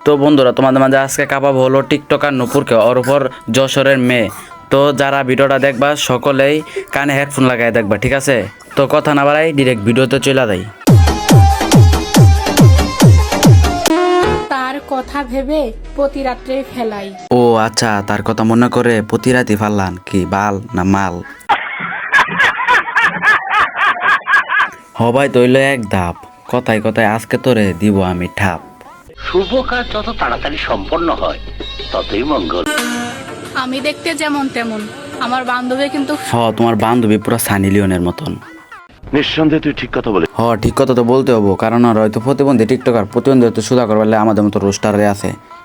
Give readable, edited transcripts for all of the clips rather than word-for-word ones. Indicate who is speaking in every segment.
Speaker 1: তো বন্ধুরা তোমাদের মাঝে আজকে কাপাবো হলো টিকটকার নূপুরকে, ওর উপর যশোরের মেয়ে। তো যারা ভিডিওটা দেখবা সকলেই কানে হেডফোন লাগাই দেখবা, ঠিক আছে? তো কথা না বাড়াই ডিরেক্ট ভিডিওতে চলে যাই।
Speaker 2: তার কথা ভেবে প্রতি রাত্রে ফেলাই।
Speaker 1: ও আচ্ছা, তার কথা মনে করে প্রতি রাতি ফাল্লান কি বাল না মাল? হবাই তৈল এক ধাপ, কথায় কথায় আজকে তোরে দিব আমি ঠাপ।
Speaker 3: শুভ কাজ যত তাড়াতাড়ি সম্পন্ন হয় ততই মঙ্গল।
Speaker 2: আমি দেখতে যেমন তেমন, আমার বান্ধবী কিন্তু
Speaker 1: তোমার বান্ধবী পুরো সানি লিওনের মতন।
Speaker 3: নিঃসন্দেহে তুই ঠিক কথা বলে।
Speaker 1: ঠিক কথা তো বলতে হবো, কারণ আর হয়তো প্রতিবন্ধী টিকটকার, প্রতিবন্ধী হয়তো সুধা করবার আমাদের মতো রোস্টারে আছে।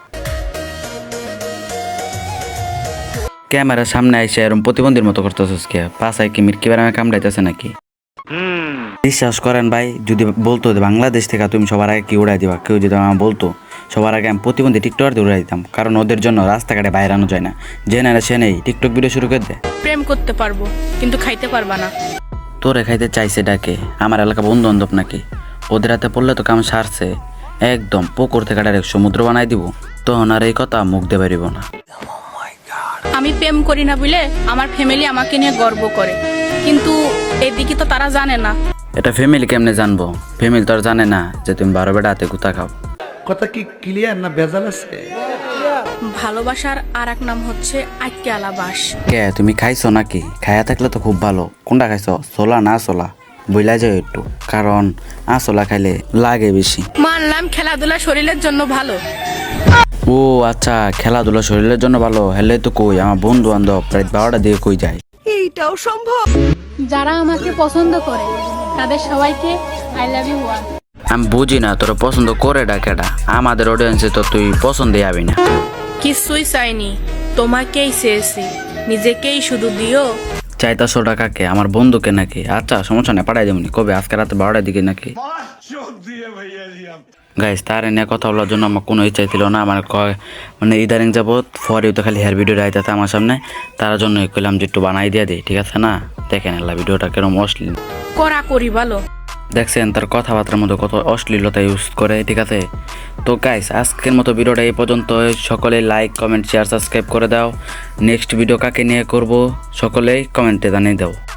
Speaker 1: ক্যামেরার সামনে এসে এরকম প্রতিবন্ধীর মতো করতেছিস কে? পাশায় কি মির্কি বেড়ামে কামড়াইতেছে নাকি? বিশ্বাস করেন ভাই, যদি বলতো বাংলাদেশ থেকে তুমি সবার আগে কি উড়াই দিবা, কেউ যদি আমার বলতো সবার আগে আমি প্রতিবন্ধী টিকটকার দিয়ে উড়াই দিতাম, কারণ ওদের জন্য রাস্তাঘাটে বাইরে আনো যায় না, যে না সে নেই টিকটক ভিডিও শুরু করে দেয়।
Speaker 2: প্রেম করতে পারবো কিন্তু খাইতে পারবা না।
Speaker 1: তোরে খাইতে চাইছে ডাকে আমার এলাকা বন্ধু বান্ধব নাকি? ওদের হাতে পড়লে তো কাম সারছে, একদম পুকুর থেকে ডাইরেক্ট সমুদ্র বানাই দিব, তখন আর এই কথা মুখ দিয়ে পারিব না।
Speaker 2: আমি প্রেম করি না বলে আমার ফ্যামিলি আমাকে নিয়ে গর্ব করে, কিন্তু এদিকে তো তারা জানে না।
Speaker 1: এটা ফ্যামিলি কেমনে জানবো? ফ্যামিলি তো আর জানে না যে তুমি 12 বেটা হাতে গুতা খাও।
Speaker 4: কথা কি ক্লিয়ার না ভেজাল আছে?
Speaker 2: ভালোবাসার আর এক নাম হচ্ছে আটকে আলাবাস।
Speaker 1: কে তুমি খাইছো নাকি? খাইয়া থাকলে তো খুব ভালো। কোনটা খাইছো, ছোলা না ছোলা? বইলা যাও একটু, কারণ আসলা খাইলে লাগে বেশি।
Speaker 2: মানলাম খেলাধুলা শরীরের জন্য ভালো।
Speaker 1: ও আচ্ছা, খেলাধুলা শরীরের জন্য ভালো হেলে তো কই আমার বন্ধু বান্ধব প্রায় 12টা দিয়ে কই যায়।
Speaker 2: যারা আমাকে পছন্দ করে তাদের সবাইকে আই লাভ ইউ ওয়ান।
Speaker 1: আমি বুঝি না তোরা পছন্দ করে ডাকেটা, আমাদের অডিয়েন্সে তো তুই পছন্দই আবি না।
Speaker 2: কিছুই চাইনি, তোমাকেই চেয়েছি, নিজেকেই শুধু দিও।
Speaker 1: চাইতাছো টাকাকে, আমার বন্ধুকে নাকি? আচ্ছা সমস্যা নেই, পাঠাই দেবনি। কবে? আজকে রাতে 12টার দিকে নাকি? গাইস, তার এনে কথা বলার জন্য আমার কোনো ইচ্ছাই ছিল না। আমার মানে ইদারিং যাবৎ ফরেও তো খালি হেয়ার ভিডিও আইতাছে আমার সামনে, তার জন্য কইলাম যে একটু বানাই দিয়ে দিই, ঠিক আছে না? দেখেন এলা ভিডিওটা কেরম অশ্লীল
Speaker 2: করা করি ভালো।
Speaker 1: দেখছেন তার কথাবার্তার মধ্যে কত অশ্লীলতা ইউজ করে, ঠিক আছে? তো গাইস, আজকের মতো ভিডিওটা এই পর্যন্ত। সকলে লাইক কমেন্ট শেয়ার সাবস্ক্রাইব করে দাও। নেক্সট ভিডিও কাকে নিয়ে করব সকলেই কমেন্টে জানিয়ে দাও।